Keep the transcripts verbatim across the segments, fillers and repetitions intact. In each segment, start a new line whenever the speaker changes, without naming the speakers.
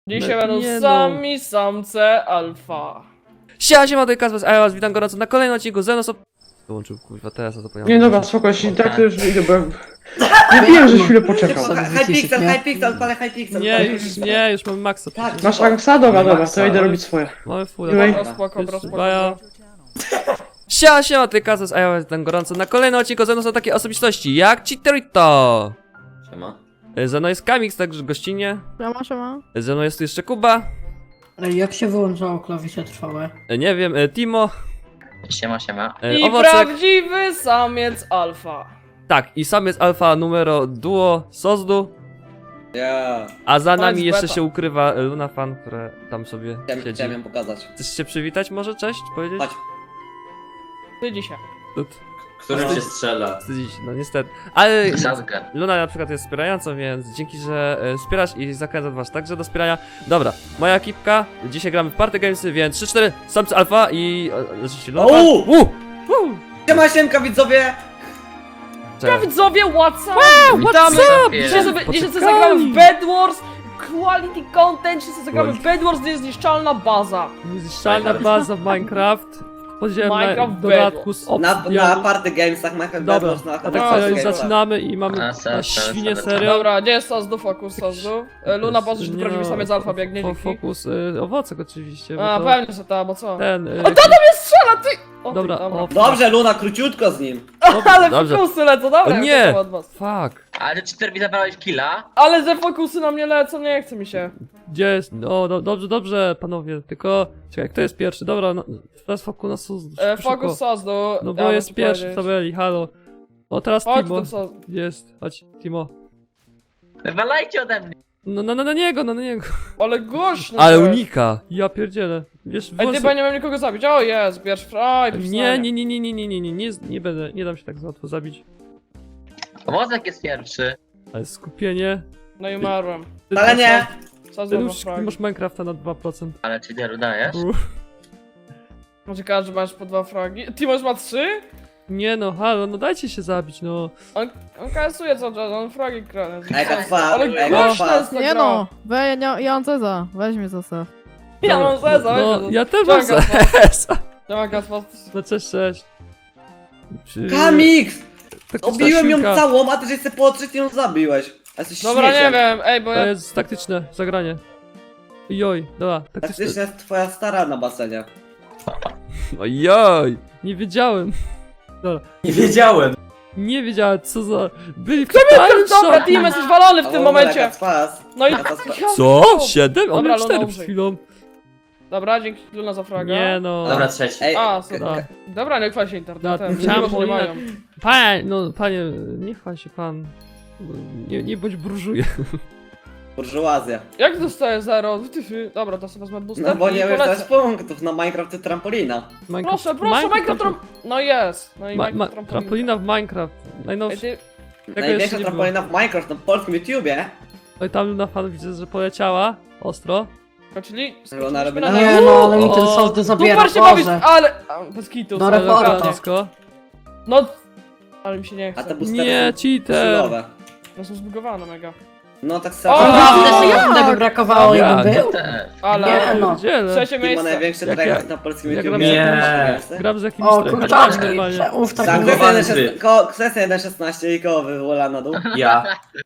Dzisiaj
No,
będą
nie no.
sami samce alfa.
Siema, siema, to jest Kazmas, a ja was witam gorąco na kolejnym odcinku ze mną są... Wyłączył, kurwa, teraz to zapomniałem.
Nie dobra, spoko, jeśli tak to już idę, bo... Nie wiem, że chwilę poczekał.
Hypixel, Hypixel, odpalę Hypixel.
Nie, już nie, już mamy maksa.
Tak.
przecież.
Masz Anksa? Dobra, dobra, to ja idę robić swoje.
Mamy full.
Anyway.
Dobra, spoko, dobra, spoko.
Baja. Siema, siema, to jest Kazmas, a ja was witam gorąco na kolejnym odcinku ze mną są takie osobistości jak Cheaterito.
Siema.
Ze mną jest Kamix, także gościnnie.
Siema, siema.
Ze mną jest tu jeszcze Kuba.
Ej, jak się wyłączało klawisze trwałe?
Nie wiem, e, Timo.
Siema, siema.
e,
I
Owocek.
prawdziwy samiec alfa.
Tak, i sam jest alfa numero duo Sozdu.
Ja.
A za
To
nami
jest
jeszcze
beta.
się ukrywa e, Luna Fan, która tam sobie
Chciałem,
siedzi.
chciałem ją pokazać.
Chcesz się przywitać może? Cześć? Powiedzieć?
Chodź.
Ty dzisiaj.
Tut.
Który cię strzela?
Wstydzić, no niestety. Ale
Sadkę.
Luna na przykład jest wspierającą, więc dzięki, że e, wspierasz i zachęcam was także do wspierania. Dobra, moja ekipka, dzisiaj gramy w Party Gamesy, więc trzy cztery, samcy alfa i... e, Oczywiście Luna Fan.
Uuu!
Uuu! Uuu!
Siema, siemka widzowie!
Ja
Cześć.
widzowie, what's up? Witamy! Dzisiaj sobie, dzisiaj sobie zagramy w Bed Wars. Quality content, dzisiaj sobie zagramy w Bed Wars, to jest niszczalna baza.
Niezniszczalna baza w Minecraft. Podziemna
Minecraft
w dodatku z
Na,
opcją.
na party gamesach, Minecraft
Dobra,
Bedwars, na
a tak
No,
serio, już
gamesach.
zaczynamy i mamy
A,
na
se- se-
świnie
se-
serio.
Dobra, gdzie jest Sazdu, fokus Sazdu? E, Luna, po że
Nie
prawdziwy
no,
samiec alfa biegnie,
fo-
dzięki.
Fokus, y, owocek oczywiście. bo
A,
to
pewnie, że ta, bo co?
Ten, y,
O, tata mnie strzela, ty! O, ty,
Dobra,
dobra.
o,
Dobrze, Luna, króciutko z nim.
Ale
dobrze.
fokusy lecą, dobra,
O
ja
nie!
to od was.
Fuck.
Ale cztery mi zabrałeś killa?
Ale ze fokusy na mnie lecą, nie chce mi się.
Gdzie jest? No, do, dobrze, dobrze, panowie, tylko... Czekaj, kto jest pierwszy? Dobra, no, teraz fokus na sus.
E,
szybko.
fokus Sazdu.
No bo
ja
jest
muszę
pierwszy w
powiedzieć.
tabeli, halo. O, teraz
Chodź
Timo.
tu Sazdu.
Jest, chodź, Timo.
Wywalajcie ode mnie!
No, no, no, na niego, no, na niego.
Ale głośno.
Ale
to jest.
unika. Ja pierdzielę. Wiesz,
Ej, ty
włosy-
bo ja nie mam nikogo zabić. O, jest, bierz fraj.
Nie, nie, nie, nie, nie, nie, nie, nie, nie, nie będę, nie dam się tak łatwo zabić.
Wozek jest pierwszy.
Ale skupienie.
No i umarłem.
Ty,
Ale nie!
Sazdu
Ty
ma
już
frag.
masz Minecrafta na dwa procent.
Ale czy nie dajesz?
Uff.
Może każdy masz po dwa fragi. Ty masz ma trzy?
Nie no, halo, no dajcie się zabić, no.
On, on kasuje cały czas, on fragi krane.
Ega twa,
Ale
ega
głośno
twa.
jest ta
Nie
gra.
no, we, ja, nie, ja mam Ceza, weź mnie zostaw.
Ja mam zeza,
No,
weź
ja też mam
Czekaj,
zeza.
Siema Kaspas.
No cześć, cześć. Przy-
Kamix!
taktyczna
Obiłem ją
siłka.
całą, a ty żeś sobie potrzeć i ją zabiłeś. A jesteś
Dobra, nie
śmieciem.
wiem, ej, bo
To
ja...
jest taktyczne zagranie. Joj, dobra, taktyczne.
Taktyczna jest twoja stara na basenie.
Ojoj, nie wiedziałem.
Nie wiedziałem!
Nie wiedziałem, co za... Byli w
Dobra,
totalnym
team jesteś walony w tym momencie.
Ega twas.
No i...
Ega twas.
Co? Siedem? On
Dobra,
miał
Luna,
cztery
umrzyj.
przed chwilą.
Dobra, dzięki Luna za fraga.
Nie no.
Dobra, trzeci.
Ej,
A,
k-
super.
Da.
Dobra, nie chwal się internetem,
Da,
nie, może nie
Polina.
mają.
Panie, no panie, nie chwal się pan. Nie, nie bądź burżuje.
burżuazja.
Jak dostaję zero? Ty, ty. Dobra, to sobie wezmę booster
No bo
i
nie
polecę.
wiesz, to jest punktów, na Minecraft to trampolina.
Proszę, proszę, Minecraft tram... No jest, no i
Ma, ma,
Minecraft trampolina.
trampolina w Minecraft.
Ej,
Najnowszy.
ty...
Tego
Największa
jeszcze nie było.
trampolina w Minecraft na polskim YouTubie.
Oj, tam na fan widzę, że poleciała. Ostro.
Skoczyli?
Ona robi
na
na-
Nie no, ale mi ten
O,
sosdy zabiera,
Super się bawisz,
Boże.
ale... a, Bez kitu.
Do
ale
reporta.
naprawdę.
Francisco.
No... Ale mi się nie
A
chce.
te boostery
Nie,
są
cheater.
silowe.
No są zbugowane mega.
No tak
O,
samo.
Naprawdę
O,
sekundę by brakowało i
jak?
bym był?
Też.
Ale...
Nie, no.
Pierdziele.
Trzecie
Kim ma
miejsce.
największy
Jak
trekast
ja-
na polskim
jak
YouTubie?
Nie.
Gram z jakimś
O,
trem-
kurczaczki,
normalnie.
czemu w
Tak,
takim...
kwestia
Zbugowany
jeden
ty.
szes- ko- kwestia jeden szesnaście i koło wywola na dół.
Ja.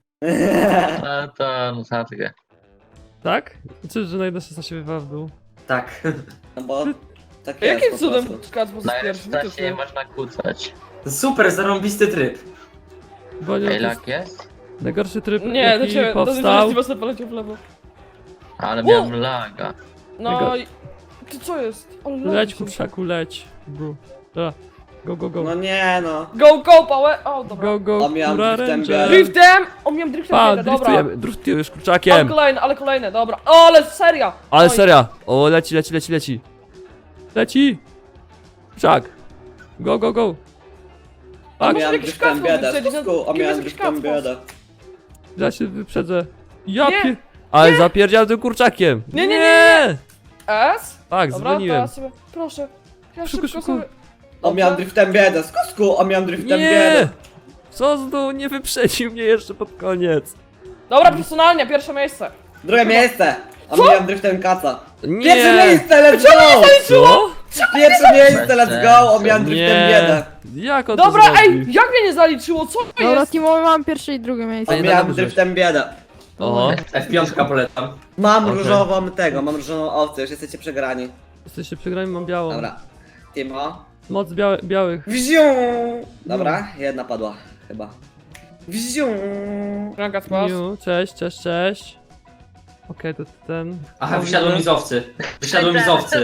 No to, no sadkę.
Tak? Czy, że na jeden szesnaście wywała w dół?
Tak.
No bo tak jest
Jakim
po
cudem
prostu.
Kacpos
Na
jest pierwszy?
szesnaście nie można kłócać.
Super, zarąbisty tryb.
Bo nie, to jest
Ejlak jest?
najgorszy tryb,
Nie, do
jaki
ciebie, do
powstał.
ciebie sobie poleciał w lewo.
Ale miałem laga.
No
Tego-
i... Ty co jest? O,
Leć,
leci.
kurczaku, leć. Bru. Dobra. Go, go, go.
No nie no.
Go, go, power! O, dobra.
Go, go,
A miałem
kura
driftem
ranger.
biorę.
Driftem! O, miałem driftem,
Pa,
biegę, dobra.
driftujemy, driftujesz
Ale
kurczakiem.
kolejne, ale kolejne, dobra. O, ale seria!
Ale
Oj.
seria. O, leci, leci, leci, leci. Leci. Kurczak. Go, go, go.
A
Tak,
może
miałem
jakiś
driftem
kacpos
biedę.
wyprzedzić, no,
Skusku, a
kim
miałem
jest jakiś
driftem
kacpos?
biedę.
ja się wyprzedzę. Ja
Nie.
pier... Ale zapierdział tym kurczakiem.
Nie, nie, nie,
nie.
S?
Tak,
Dobra, to
dzwoniłem.
ja sobie, proszę. Ja
Szybko,
szybko
szybko.
sobie...
O miałem driftem biedę. Skusku, a miałem driftem
Nie.
biedę.
Co z dół, nie wyprzedził mnie jeszcze pod koniec.
Dobra, personalnie, pierwsze miejsce.
Drugie miejsce. Omijam driftem kaca.
Nie!
Pierwsze miejsce, let's go!
Co?
Pierwsze miejsce, let's go! Omijam driftem
Nie!
biedę.
Jak on
Dobra,
to
ej,
zrobił?
jak mnie nie zaliczyło? Co to
Dobra,
jest?
teamowy mam pierwsze i drugie miejsce.
nie
Omijam
dobrze.
driftem biedę.
O,
F pięć polecam.
Mam
Okej.
różową tego, mam różową owcę, już jesteście przegrani.
jesteście przegrani, mam białą.
Dobra. Timo.
Moc białe, białych.
Wziu! Dobra, jedna padła, chyba. Wziu!
Franka spas.
Miu, cześć, cześć, cześć. Okej, to ten.
Aha, wysiadło mi z owcy. Wysiadło mi z owcy.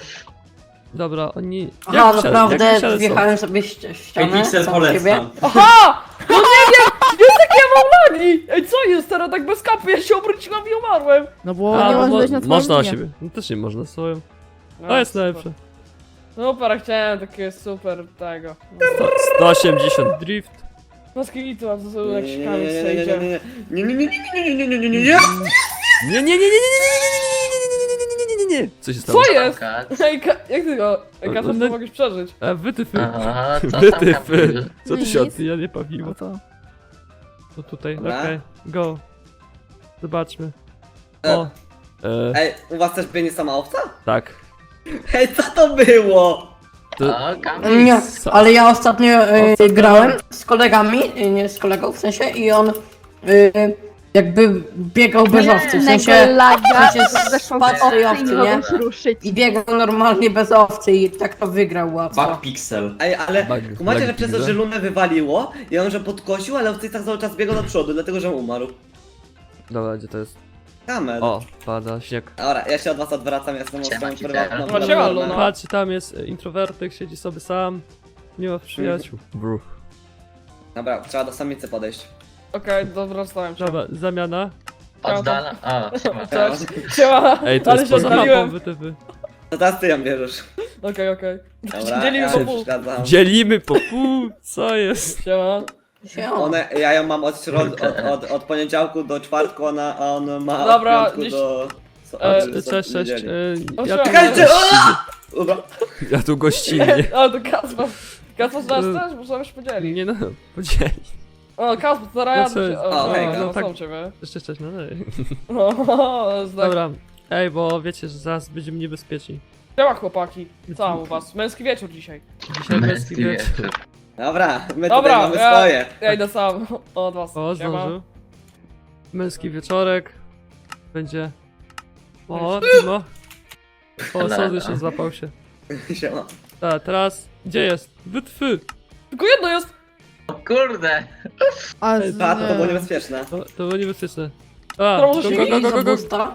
Dobra, oni...
Aha,
jak wysiadł-
naprawdę
jak wysiadł
wjechałem sobie ści- ścianę.
Pixel
sam z siebie.
polecam.
Aha! No nie wiem! Jest takie ja mam lagi! Ej, co jest teraz tak bez kapy? Ja się obróciłam i umarłem.
No bo
A,
nie
bo
masz
mo-
wejść na twoją
można na
linię.
siebie. No też nie można swoją.
No,
To jest
super.
najlepsze.
Super, chciałem takie super tego.
sto osiemdziesiąt drift.
No z kitu, a to są
Nie,
jak
nie,
sikami
nie, nie,
sejdzie.
nie, nie, nie, nie, nie, nie, nie, nie, nie, nie, nie, nie, nie.
Nie, nie, nie, nie, nie, nie, nie, nie, nie, nie, nie, nie. Co się stało?
Co jest?
Kac.
Ej, ka jak ty go? Ej, Katar,
No-
to mogłeś przeżyć.
E, wytyfy.
Aha, co tam
Wytyfy.
Kamil?
Co tu
Nic.
się odbija, nie bawiło.
No to.
To tutaj,
Dobra.
okej. Go. Zobaczmy.
E.
O. E,
Ej, u was też biegnie sama owca?
tak.
Ej, co to było?
To,
O, Kamil.
Nie,
Co?
ale ja ostatnio e,
Ostatnio-
grałem z kolegami, e, nie z kolegą w sensie i on e, jakby biegał bez owcy, w sensie, w sensie spadł z tej owcy, nie? I biegał normalnie bez owcy i tak to wygrał łatwo.
Bug pixel.
Ej, ale
Bug-
kumacie,
bug
że przez to,
pizza.
że Lunę wywaliło i on że podkosił, ale owcy tak cały czas biegał do przodu, dlatego że umarł.
Dobra, gdzie to jest?
Kamer.
O, pada śnieg.
Dobra, ja się od was odwracam, ja jestem
Siema,
osobą
Kitel.
prywatną.
No, siema,
prywatną.
Luna.
Patrz, tam jest e, introwertyk, siedzi sobie sam. Nie ma przyjaciół. Bru.
Dobra, trzeba do samicy podejść.
Okej, dobra, stałem się.
Dobra, zamiana.
Oddala. O, siema.
Cześć. Siema,
Ej, to
ale
jest
się
poza mapą,
odpaliłem.
wytyfy.
No teraz ty ją bierzesz.
Okej, okej.
Dobra,
Dzielimy
ja
po
się
pół.
zgadzam.
Dzielimy po pół, co jest?
Siema.
Się
One, ja ją mam od, środ, od, od, od poniedziałku do czwartku, ona, a on ma
Dobra,
od piątku
gdzieś-
do... So,
E,
od-
Cześć, cześć.
niedzieli.
e,
O,
Ja tu,
Czekajcie,
Dobra.
ja tu gościnnie.
O, to Kasper. Kasper, znasz też? Możemy się podzielić.
Nie no, podzieli.
O, Kasper, to zaraz
No
ja
co-
się...
O,
O,
hej,
no,
no
no,
tak.
są ciebie.
Jeszcze cześć, no dalej.
No, to jest tak.
Dobra. Ej, bo wiecie, że zaraz będziemy niebezpieczni.
Siema chłopaki. Co tam u was? Męski wieczór dzisiaj.
Dzisiaj męski
Męski
wieczór.
wieczór.
Dobra, my
Dobra,
tutaj mamy
ja-
swoje.
Ja idę sam od was.
O,
Siema.
zdążył. Męski wieczorek. Będzie... O, Timo. O, sądy się złapał się.
Siema.
A, teraz... Gdzie jest? Wytwy!
Tylko jedno jest!
O kurde.
A,
Ej,
z,
A, to, to było
nie.
niebezpieczne.
To, to było niebezpieczne. A,
To
go,
może się
go, go,
I
go,
za
go, go.
busta.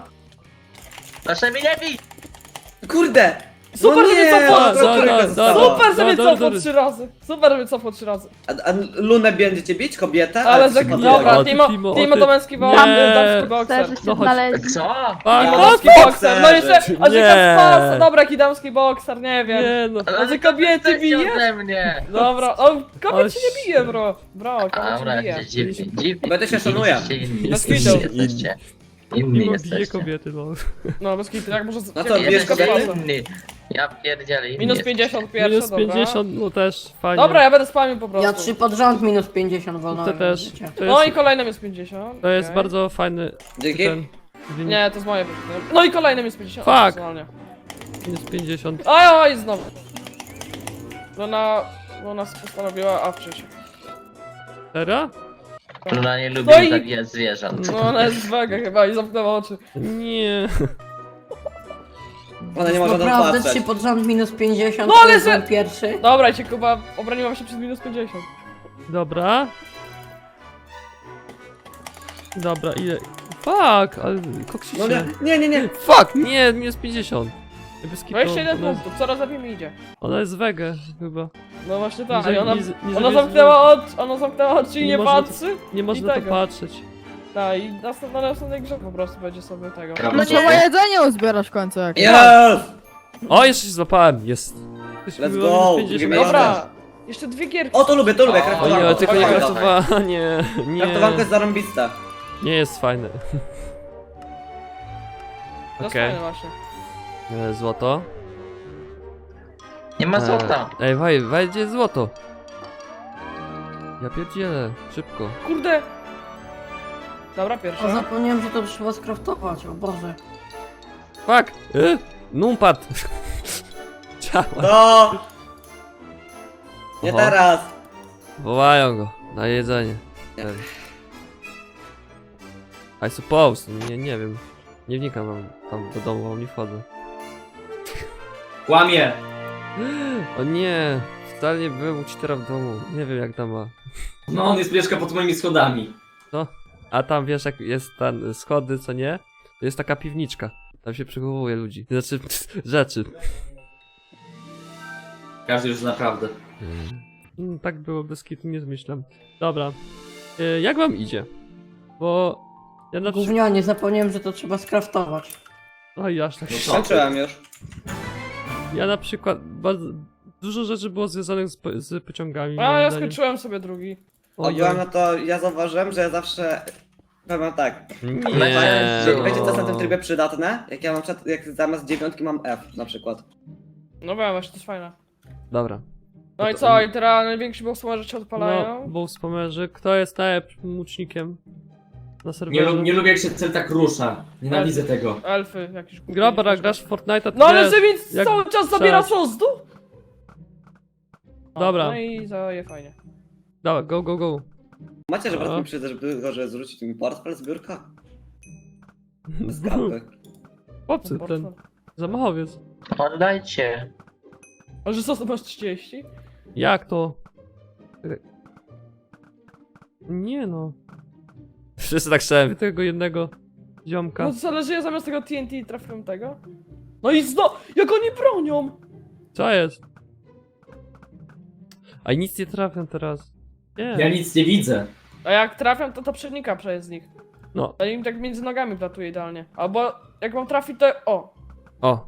Proszę mi nie bij.
Kurde!
Super,
no
że
nie,
mnie cofło!
no, trójka
Da, da,
została.
da.
Super, że mnie
dobra,
cofło
dobra.
trzy razy! Super, że mnie cofło trzy razy!
A, a Lunę będziecie bić, kobietę?
Ale
ty
za...
się padło.
Dobra,
O, ty,
Timo,
Timo, o,
Timo
ty.
to męski bo...
Nie.
damski bokser.
No chodź.
Co?
A,
Timo
no,
damski bokser, no jeszcze... A
Nie.
że Kasper, dobra, jaki damski bokser, nie wiem.
Nie no.
A ty kobiety
Jesteście
bije?
ode mnie.
Dobra, o, kobiet
O,
się nie bije, bro. Bro, kobiet się
Dobra,
nie bije.
dziwnie, dziwnie.
Będę się szanuję.
Jesteście inni.
Bez
Jesteście,
kitu.
jesteście. Inni
Mimo bije
jesteście.
kobiety, no.
No, bez kitu, jak może...
No to
jak-
bierz
Jesteście
kobietę.
inni. Ja pierdzielę inni
Minus
jesteście.
pięćdziesiąt pierwsze,
Minus
dobra.
pięćdziesiąt, no też fajnie.
Dobra, ja będę spamił po prostu.
Ja trzy pod rząd minus pięćdziesiąt wolno.
To też.
życie.
To
No i
jest,
kolejnym jest pięćdziesiąt.
to jest
okej.
bardzo fajny
Dzięki.
ten wynik.
Nie, to jest moje wynik. No i kolejnym jest pięćdziesiąt.
Fuck.
personalnie.
Minus pięćdziesiąt.
Oj, oj, znowu. Luna... Luna postanowiła awczyć.
Teraz?
Luna nie lubi
No i-
zabijać zwierząt.
No ona jest wega chyba i zamknęła oczy.
Nie.
Ona nie może na to
Naprawdę trzy
patrzeć.
pod rząd minus pięćdziesiąt,
No,
to
ale
jest
że-
byłem pierwszy.
Dobra, cię Kuba, obroniłam się przez minus pięćdziesiąt.
Dobra. Dobra, ile? Fuck, ale koksicie.
No nie, nie, nie, nie.
Fuck, nie, minus pięćdziesiąt. Bez kitu,
dwadzieścia jeden
ona, jest,
punktów, coraz lepiej mi idzie.
ona jest wege chyba.
No właśnie tak,
Nie
i
za-
ona,
nie za- nie
ona
za-
zamknęła oczy, ona zamknęła oczy i
Nie
nie
można to-
patrzy.
Nie można
I
to
tego.
patrzeć.
Tak, i następna, na następnej grze po prostu będzie sobie tego.
Brawo.
No trzeba jedzenie uzbierać w końcu jak.
Yes!
O, jeszcze się złapałem, jest.
Let's go, gdzie
Dobra, jeszcze dwie gierki.
O, to lubię, to lubię,
O,
O
kraftowanko.
nie, tylko nie
Dawaj,
kraftowanie, nie.
Kraftowanko jest zarąbiste.
Nie jest fajne.
To jest
Okej,
fajne właśnie.
e, złoto.
Nie ma złota.
E, Ej, waj, waj, gdzie jest złoto? Ja pierdzielę, szybko.
Kurde. Dobra,
A
pierwsza.
zapomniałem, że to trzeba skraftować, o Boże.
Fuck! Y? Numpad! Ciała.
No! Nie
Oho.
teraz!
Wołają go na jedzenie.
Nie.
I suppose, nie, nie wiem. Nie wnikam tam, tam do domu, bo nie wchodzę.
Kłamie!
O nie, wcale nie był u cheatera w domu. Nie wiem jak tam ma.
No on jest mieszka pod moimi schodami.
A tam wiesz jak jest ten schody, co nie? To jest taka piwniczka. Tam się przechowuje ludzi. Znaczy rzeczy.
Każdy już naprawdę.
Mm, tak było, bez kitu nie zmyślam. Dobra. Y, jak wam idzie? Bo ja na przykład...
Gównianie, zapomniałem, że to trzeba skraftować.
Oj, aż tak.
No co?
Skończyłem już.
Ja na przykład bardzo... Dużo rzeczy było związanych z, po- z pociągami.
A
moim
ja
zdaniem.
skończyłem sobie drugi.
O, ja no to ja zauważyłem, że ja zawsze... Powiem tak.
Nie.
Wiecie, wiecie co jest na tym trybie przydatne? Jak ja mam przed, jak zamiast dziewiątki mam F na przykład.
No wiem, właśnie to jest fajne.
Dobra.
No i
to-
co, i teraz najwięksi boksmarzy się
No,
odpalają?
bo wspomnę, kto jest najlepszym łucznikiem na
Nie,
serwerze?
lu- nie lubię jak się cel tak rusza. Nienawidzę tego.
Elfy jakieś głupie.
Grabara, grasz w Fortnite'a,
No ale
wiesz,
że mi
jak
cały czas zabiera
strzelać.
sozdu?
Dobra.
No i zaje fajnie.
Dawaj, go, go, go.
Macie, że
No.
brat mi przyjdzie, żeby go, że zwrócić mi portfel z biurka? Z gapy.
Chłopcy, ten zamachowiec.
Oddajcie.
A że sos masz trzydzieści?
Jak to? Czekaj. Nie no. Wszyscy tak chciałem tego jednego ziomka.
No to zależy, ja zamiast tego T N T trafiłem tego. No i zno... Jak oni bronią!
Co jest? A nic nie trafiam teraz. Nie.
Ja nic nie widzę.
A jak trafiam, to to przenika przez nich.
No.
To im tak między nogami platuje idealnie. Albo jak mam trafić, to... O!
O.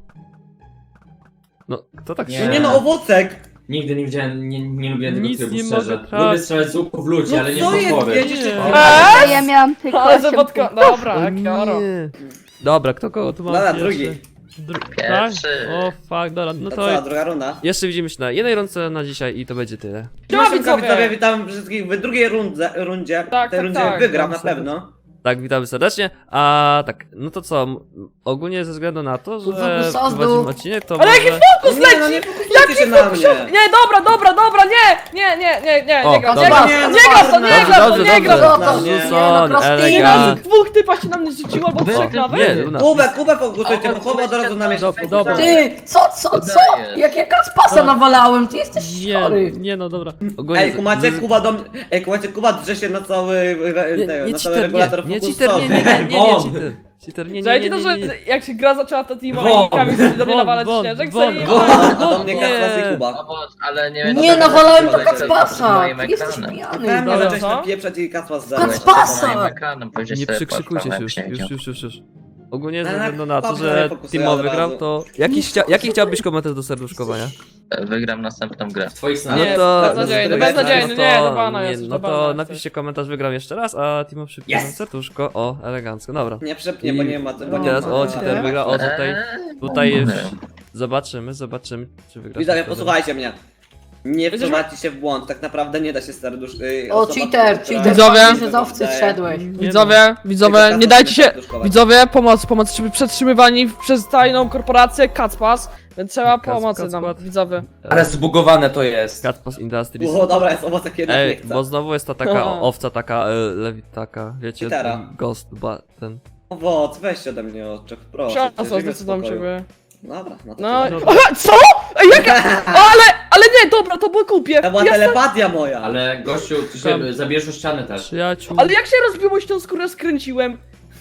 No, kto tak
Nie.
No
się...
nie no, owocek!
Nigdy nie widziałem, nie, nie lubiłem tego
Nic
trybu,
nie
szczerze.
mogę trafić.
Lubię strzelać z łuku w ludzi,
No
ale nie
co
w
jest?
potwory.
Jedziecie...
Nie.
Eee?
Ja miałam tylko
Ale
osiem
zawodka...
punktów.
Dobra,
O
jak oro.
nie. Dobra, kto kogo tu ma
Dobra,
pierwszy?
drugi.
Dru... Tak?
Pierwszy.
O fuck, dobra, no
To
to...
co, druga runda?
Jeszcze widzimy się na jednej rące na dzisiaj i to będzie tyle.
Siema,
Siema,
widzowie!
widzowie, witam wszystkich w drugiej rundze, rundzie.
Tak,
w tej
tak,
rundzie
tak.
wygram na
Dobrze.
pewno.
Tak, witamy serdecznie. A tak, no to co? m- Ogólnie ze względu na to, że
Fokus sazdu.
prowadzimy odcinek, to
Ale
może...
jaki fokus
Nie, no nie
leci!
fokusujcie się na mnie.
Nie, dobra, dobra, dobra, nie! Nie, nie, nie, nie,
O,
nie gram, nie
dobra.
gram,
Nie,
nie gram to, nie
Dobrze,
gram to,
dobrze,
nie gram to!
dobrze.
No, nie.
Rzucon,
Nie, no,
elegant.
Dwóch typa się na mnie rzuciło, bo trzech
Nie,
nawet.
Luna.
Kubę, Kubę fokusujcie, bo Kuba od razu na mnie
Dobra, dobra.
Ty, co, co, co?
Dajesz.
Jak ja kaspasa nawalałem, ty jesteś
Nie,
chory.
nie no dobra. Ogólnie
Ej,
z-
kumacie,
z-
Kuba do mnie... Ej, kumacie, Kuba drze się na cały...
Nie,
na
nie
cały
cheater,
regulator
nie, nie
fokusowy.
cheater, nie, nie, nie, nie, nie,
Won.
cheater. Cheater, nie, nie, nie,
Słuchajcie
nie,
to, że
nie, nie.
jak się gra zaczęła ta teama
Won.
i Kamil sobie do mnie
Won,
nawalać
won,
śnieżek,
won,
sobie...
won.
A do mnie
Nie.
Kaspas i Kuba.
No bo, ale nie
Nie,
no,
nawalałem do
to jest przed
kaspasa.
moim
Ty jesteś
ekranem.
pijany.
Pewnie
Dobra,
zacząłeś
co?
napieprzać i Kaspas
Kaspasa.
zaczął.
Pasa!
Moim ekranem, powiedzieć
Nie
sobie
przykrzykujcie się już,
poszła na
już, już, już, już. Ogólnie ze
Ale
względu na to,
dobrze,
że
nie fokusuję
Timo
od
wygrał,
razu.
to... Jaki, chcia... Jaki chciałbyś komentarz do serduszkowania?
Wygram następną grę.
W twoich
No
snach.
Nie,
to...
beznadziejny,
no to-
beznadziejny,
no
nie,
to-
do bana
nie,
jesteś,
No
do
to
bana
napiszcie komentarz, wygram jeszcze raz, a Timo przypnie
Yes!
serduszko. O, elegancko, dobra.
Nie przepnie, bo nie ma... Bo
I
nie
teraz,
ma.
o, cheater wygrał, o, tutaj...
Eee,
Tutaj jest...
nie.
Zobaczymy, zobaczymy, czy wygra.
Widzowie,
serduszko.
posłuchajcie mnie. Nie
Będziesz-
wprowadźcie się w błąd, tak naprawdę nie da się serdusz... Yy,
O,
osoba,
cheater,
która-
cheater,
Widzowie.
pamiętaj, że z owcy
Daje-
zszedłeś.
Nie
Widzowie, widzowie,
Tylko
nie
Kacpas
dajcie się...
serduszkować.
Widzowie, pomoc, pomoc, żeby przetrzymywani przez tajną korporację Kacpas, więc trzeba
Kac-
pomocy nam,
Kacpat.
widzowie.
Ale zbugowane to jest.
Catpas Industries.
O, dobra, jest owocek jednak nie
Ej,
chce.
bo znowu jest ta taka
No.
owca, taka e, lewit, taka, wiecie,
Gitara.
ten ghost, ba, ten...
Owoc, weźcie ode mnie oczek, proszę.
Przepraszam,
żyjmy w
zdecydowałem
spokoju.
ciebie.
Dobra, no to
No,
tyle.
aha, co? Ej, jaka? O, ale, ale nie, dobra, to było głupie.
To była
Ja-
telepatia moja.
Ale gościu, ty się zabierz o ścianę też.
Przyjaciół...
Ale jak się rozbiło tą skórę skręciłem?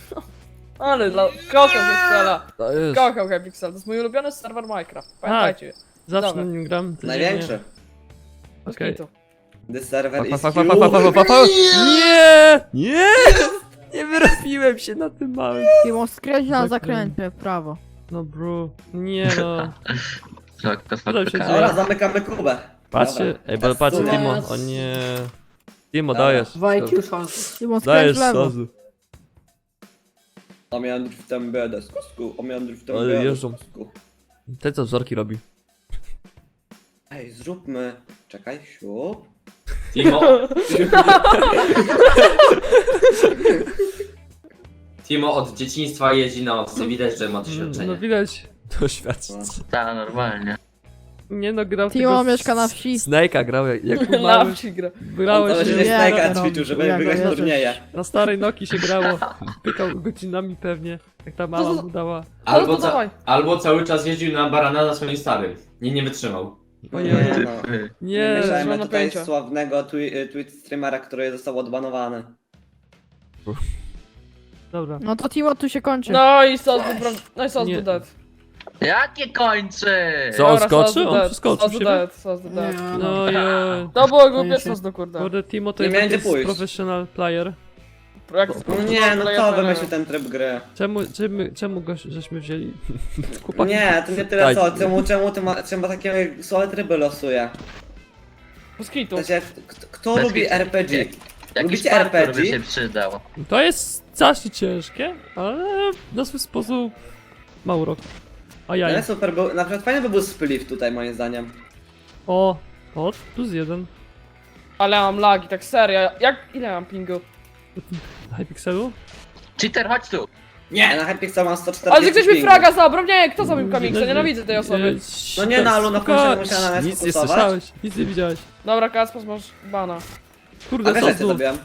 Ale dla... kocham Pixela.
To jest,
Kocham Pixel, to jest mój ulubiony serwer Minecraft. Pamiętajcie.
zacznę
dobra.
nim gram. to
Największy.
Okej.
Okay.
The server
Pa,
is
pa, pa, pa, pa, pa, pa, pa, pa. Nie! Nie! Nie wyrobiłem się na tym małym.
Timo, skręć na
Zakręt.
zakręcie w prawo.
No bro, nie no.
Tak, to
Co tam się
faktycznie.
Dobra, zamykamy kubę.
Patrzcie,
Dobra.
ej, bo patrzcie,
Teraz
Timo,
Yes.
o nie. Timo,
Dobra.
dajesz.
W I Q szans.
Timo, skręć
Dajesz
w lewo.
sozu.
Omiandr w tę biedę, skusku, omiandr w tę
Ale
biedę,
jeżdżą.
skusku.
Ten co wzorki robi.
Ej, zróbmy... Czekaj, siup.
Timo, Timo od dzieciństwa jeździ na owce, widać, że ma
Mm,
doświadczenie.
No widać doświadczenie.
Ta, normalnie.
Nie no, grał w
Timo
tego
mieszka na wsi.
Snake'a grał jak, jak
Na
mały.
wsi gra.
Grałeś
To
się
się
Nie,
Snake'a
no,
ćwiczył, żeby
ja
wygrać
go jadę.
turnieje.
na starej Noki się grało. Pykał godzinami pewnie. Jak ta mama mu dała.
Albo,
No to
ca
dawaj.
albo cały czas jeździł na barana za swoim starym. Nie, nie wytrzymał.
Ojej.
Nie, no.
Ty.
Nie
Nie,
mam
mieszajmy tutaj
pojęcia.
sławnego twi tweet streamera, który został odbanowany.
dobra.
No to Timo tu się kończy.
No i sos był pra- No i sos
Nie.
był dead.
Jakie kończy?
Co, on
Dobra,
skoczy?
sos był
On
dead,
przeskoczył
sos był
siebie?
dead, sos był dead.
Nie,
No joj.
To było głupie
Koniecznie.
sos do kurde.
Kurde, Timo to
Nie
jest
miałem
taki
gdzie pójść.
professional player.
Jak
No nie, no
player
to
player.
wymyślił ten tryb gry.
Czemu, czemu, czemu go żeśmy wzięli? Chłopaki.
Nie, to nie tyle
Daj.
co, czemu, czemu ty ma, czemu takie słabe tryby losuje?
Bez kitu.
W sensie, kto, kto
Bez
lubi
kitu.
R P G?
Jakiś
Lubicie
parkour
R P G?
by się przydał.
To jest strasznie ciężkie, ale na swój sposób mało rok. A
No
ja.
jest super, był, na przykład fajny by był spliff tutaj moim zdaniem.
O, o, plus jeden.
Ale mam lagi, tak serio. Jak, ile mam pingu?
Hypixelu?
Cheater, chodź tu!
Nie! Na Hypixel mam sto czterdzieści
Ale że ktoś mi
pingu.
fraga zabrał, nie, kto zabił Kamiksa, nienawidzę tej osoby.
No nie, no, ale na końcu
Spoko-
musiała na nas
Nic nie
fokusować.
słyszałeś, nic nie widziałeś.
Dobra, Kaspas, masz bana.
Kurde,
A wiesz,
co
jak cię
tu?
zabiłem?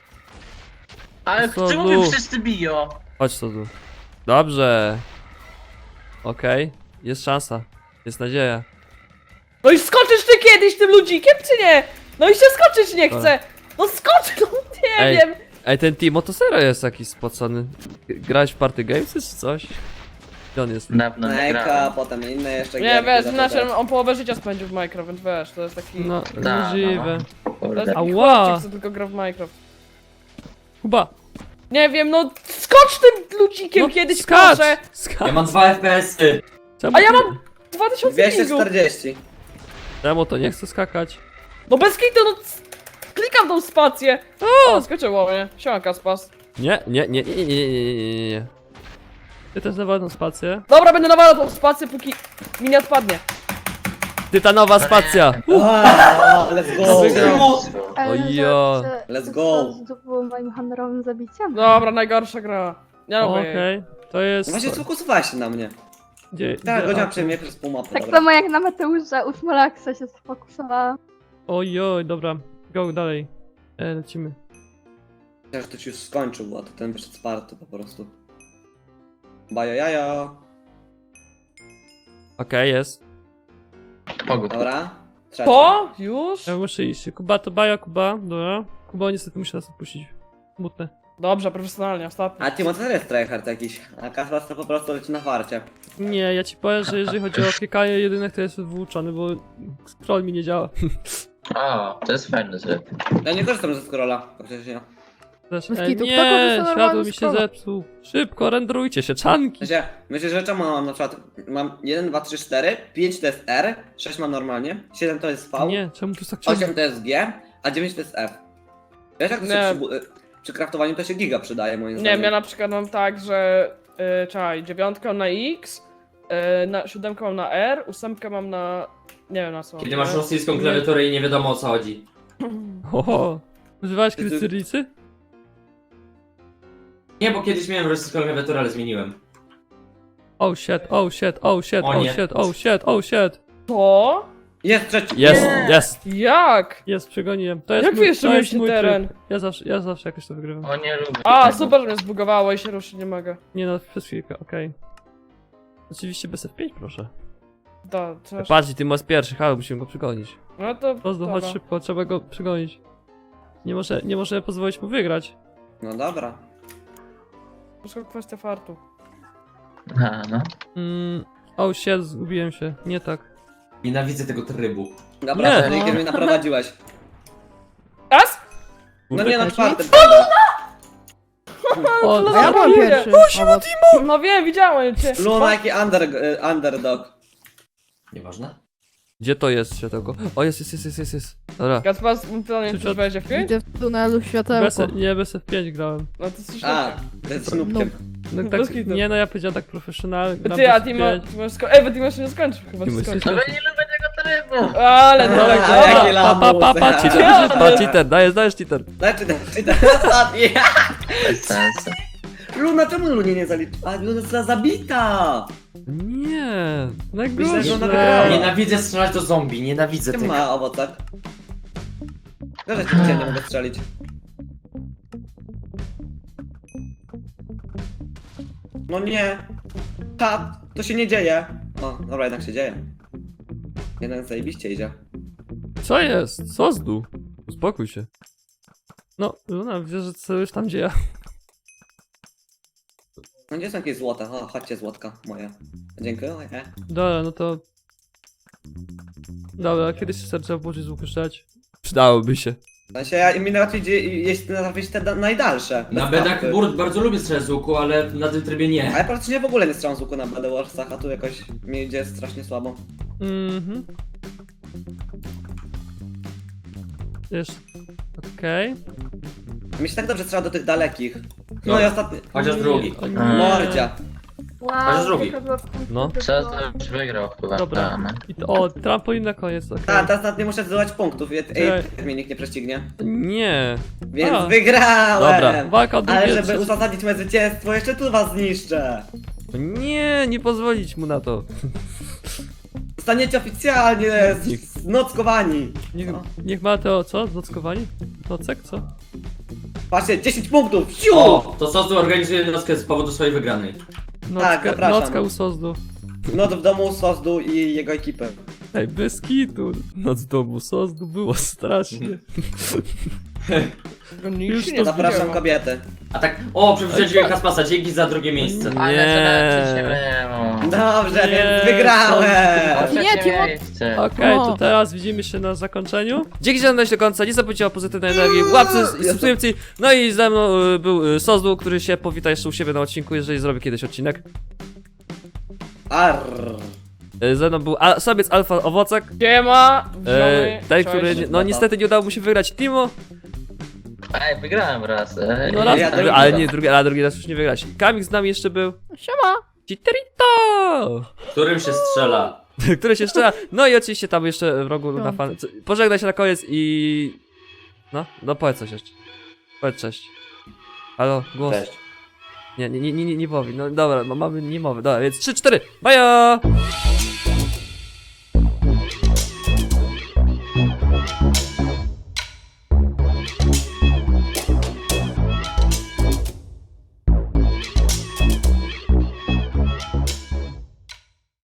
Ale
Co
czemu
tu?
mnie wszyscy biją?
Chodź co tu. Dobrze. Okej, jest szansa. Jest nadzieja.
No i skoczysz ty kiedyś tym ludzikiem, czy nie? No i się skoczyć nie chce. No skocz, no nie
Ej.
wiem.
Ej, ten Timo to serio jest jakiś spocony. Grałeś w Party Gamesy czy coś? Gdzie on jest?
Dawno nie
Nejka,
grałem.
potem inne jeszcze
Nie,
gierki
wiesz,
za
znaczy
to.
on połowę życia spędził w Minecraft, więc wiesz, to jest taki...
No,
Da,
możliwe.
no.
To jest
Kurde.
taki
Ała.
chłopczyk, co tylko gra w Minecraft.
Kuba!
Nie wiem, no skocz tym ludzikiem
No,
kiedyś,
skacz!
proszę.
Skacz!
Ja mam dwa F P S-y.
Czemu
A ja
ty-
mam dwa tysiące
dwieście
pingu.
czterdzieści.
Czemu to nie chce skakać?
No bez kitu, no c- klikam tą spację. O, skoczyło mnie. Siema, Kaspas.
Nie, nie, nie, nie, nie, nie, nie, nie, nie, nie. Ty też nawalną spację.
Dobra, będę nawalał tą spację, póki mi nie odpadnie.
Tytanowa spacja!
Ah, let's go!
Ojo.
Let's go.
To było moim honorowym zabiciem.
Dobra, najgorsza gra. Nie lubię
Okej,
jej.
to jest...
No właśnie sfokusowałeś się na mnie.
Gdzie,
Tak,
gdzie-
godzina
a,
przejmie przez pół mapy,
Tak
dobra.
samo jak na Mateusza, u Smolaksa się sfokusowałam.
Ojoj, dobra. Go dalej. E, lecimy.
Myślałem, że to ci już skończył, bo to ten wyszedł z party po prostu. Bajo jajo.
Okej, jest.
Pogód.
Dobra. Trzeci.
Po? Już?
Ja muszę iść. Kuba to baja, Kuba. Dobra. Kuba niestety musi nas opuścić. Smutne.
Dobrze, profesjonalnie, ostatnio.
A Timo to też jest tryhard jakiś. A Kaspas to po prostu leci na farcie.
Nie, ja ci powiem, że jeżeli chodzi o klikanie jedynek, to jest wyuczony, bo scroll mi nie działa.
O, to jest fajny tryb.
Ja nie korzystam ze scrolla, faktycznie.
Też,
Bez
ej,
kitu, kto
nie,
korzysta
światło
normalnie
mi
z
się
scrolla?
zepsuł. Szybko, renderujcie się, czanki.
W sensie, myślę, że czemu mam na przykład, mam jeden, dwa, trzy, cztery, pięć to jest R, sześć mam normalnie, siedem to jest V,
Nie, czemu tu jest tak ciemno?
osiem to jest G, a dziewięć to jest F. Wiesz jak to się
Nie.
przy, bu- y, przy kraftowaniu to się giga przydaje moim
Nie
zdaniem.
wiem, ja na przykład mam tak, że... Yy, czekaj, dziewiątkę mam na X, yy, na, siódemkę mam na R, ósemkę mam na... Nie wiem na co.
Kiedy masz rosyjską klawiaturę i nie wiadomo o co chodzi.
Oho. Używałeś
Ty-
kiedyś
ty-
cyrylicy?
Nie, bo kiedyś miałem rosyjską klawiaturę, ale zmieniłem.
Oh shit, oh shit, oh shit,
O
oh
nie.
shit, oh shit, oh shit.
To?
Jest trzeci!
Jest,
Nie.
jest,
Jak?
jest, przegoniłem. To jest
Jak
mój,
wy jeszcze
to jest
mieliście
mój
teren?
tryb. Ja zawsze, ja zawsze jakoś to wygrywam.
O, nie lubię
A,
tego.
super, że mnie zbugowało i się ruszyć nie mogę.
Nie no, przez chwilkę, okej. Oczywiście bez F pięć, proszę.
Da, coś.
Patrz, ty masz pierwszy, halo, musimy go przegonić.
No to...
Rozdo,
dobra.
chodź szybko, trzeba go przegonić. Nie może, nie możemy pozwolić mu wygrać.
No dobra.
Wszystko kwestia fartu.
A, no.
Mm, oh shit, zgubiłem się, nie tak.
Nienawidzę tego trybu.
Dobra,
Nie.
to Rikiem mnie naprowadziłeś.
As?
No nie, na
Taki?
czwartym.
O,
to
A ja byłem
Zabiję.
pierwszy. Owoc.
No wiem, widziałem cię.
Luna jaki under, y, underdog.
Nieważne.
gdzie to jest światełko? O, jest, jest, jest, jest, jest, jest. Dobra.
Gaspar, pytanie,
Czy
czy
to-
wejdzie w pięć?
Idę w tunelu
Bez,
światełko.
nie, bez F pięć grałem.
No to coś
A, to jest snoopkiem.
No
Bez
tak,
kitu.
nie no, ja powiedziałem tak profesjonalnie. gram
Ty, a
bez
ty
F
ma,
pięć.
ty masz sko- Ej, bo ty masz nie skończył chyba,
Ty
ty
masz-
skończył.
No bo nie lubię tego trybu!
Ale no tak,
A,
dobra.
jakie
Pa, pa, pa, pa,
lamusy.
cheater, pa, cheater, dajesz, dajesz cheater.
Daj, czy czy ten ostatni.
Bez sensu.
Luna, czemu Lunie nie zalicz? A Luna została zabita!
Nie,
Myślę, że ona
najgorsze.
wygrała.
Nienawidzę strzelać do zombie, nienawidzę
Nie
tego.
ma owocach. Dobrze, cię nie mogę strzelić. No nie. Ha, to się nie dzieje. O, dobra, jednak się dzieje. Jeden zajebiście idzie.
Co jest? Co z dół? Uspokój się. No, Luna, wiesz, że co już tam dzieje.
No gdzie są jakieś złote? O, chodźcie złotka moje. Dziękuję.
Dobra, no to... Dobra, kiedyś się trzeba włożyć z łuku strzelać? Przydałoby się.
W sensie, ja, mi najłatwiej idzie, jeśli trafić te da- najdalsze.
Na
bez
bedach
trafy.
burt bardzo lubię strzelać z łuku, ale na tym trybie
A
nie.
ja praktycznie w ogóle nie strzelam z łuku na Bad Warsach, a tu jakoś mi idzie strasznie słabo.
Mhm. Wiesz... Okej.
Mi się tak dobrze strzela do tych dalekich. No
No.
i ostatni.
Chociaż drugi.
O nie.
Mordzia.
Chociaż drugi.
No.
Przez to już wygrał chyba.
Dobra.
A, no.
I to, o, trampolin na koniec, okej.
A, teraz nawet nie muszę zdobywać punktów. Ej,
Czekaj.
ej, mnie nikt nie prześcignie.
Nie.
Więc
A.
wygrałem!
Dobra, walka o drugie,
Ale żeby
trzecie.
uzasadnić moje zwycięstwo, jeszcze tu was zniszczę!
Nie, nie pozwolić mu na to.
Zostaniecie oficjalnie z- znockowani!
Niech,
No.
niech ma to, co? Znockowanie? Nocek, co?
Patrzcie, dziesięć punktów! Siu!
O, to Sosu organizuje nockę z powodu swojej wygranej.
Nocka,
Tak, zapraszam.
nocka u Sozdu.
Noc w domu Sozdu i jego ekipy.
Ej, bez kitu. Noc w domu Sozdu było strasznie. Już to
Zapraszam kobiety.
A tak, o, przeprosiłem Kaspasa, dzięki za drugie miejsce.
Ale to
Nie.
nawet się nie
Dobrze,
Nie,
więc wygrałem!
Nie, Timo-
miejsce.
Okej, to
O.
teraz widzimy się na zakończeniu. Dzięki, że oglądaliście do końca. Nie zapomnijcie o pozytywnej energii, łapce i subskrypcji. No i ze mną y, był y, Sozdu, który się powita jeszcze u siebie na odcinku, jeżeli zrobi kiedyś odcinek.
Arr.
Y, Ze mną był a, Sobiec Alfa Owocek.
Siema!
E,
witamy,
ten,
cześć.
który nie- no niestety nie udało mu się wygrać Timo.
Ej, wygrałem raz. Ej,
No raz,
ja drugi
ale
raz.
nie drugi, ale drugi raz już nie wygrać. Kamik z nami jeszcze był.
Siema!
Chiterito!
Którym się strzela.
Który się strzela. No i oczywiście tam jeszcze w rogu na
Piąty.
fan. co- Pożegnaj się na koniec i. No, no powiedz coś jeszcze. Powiedz cześć. Halo, głos.
Cześć.
Nie, nie, nie, nie, nie, nie powie. No dobra, ma- mamy niemowy. Dobra, więc trzy, cztery. Bajo!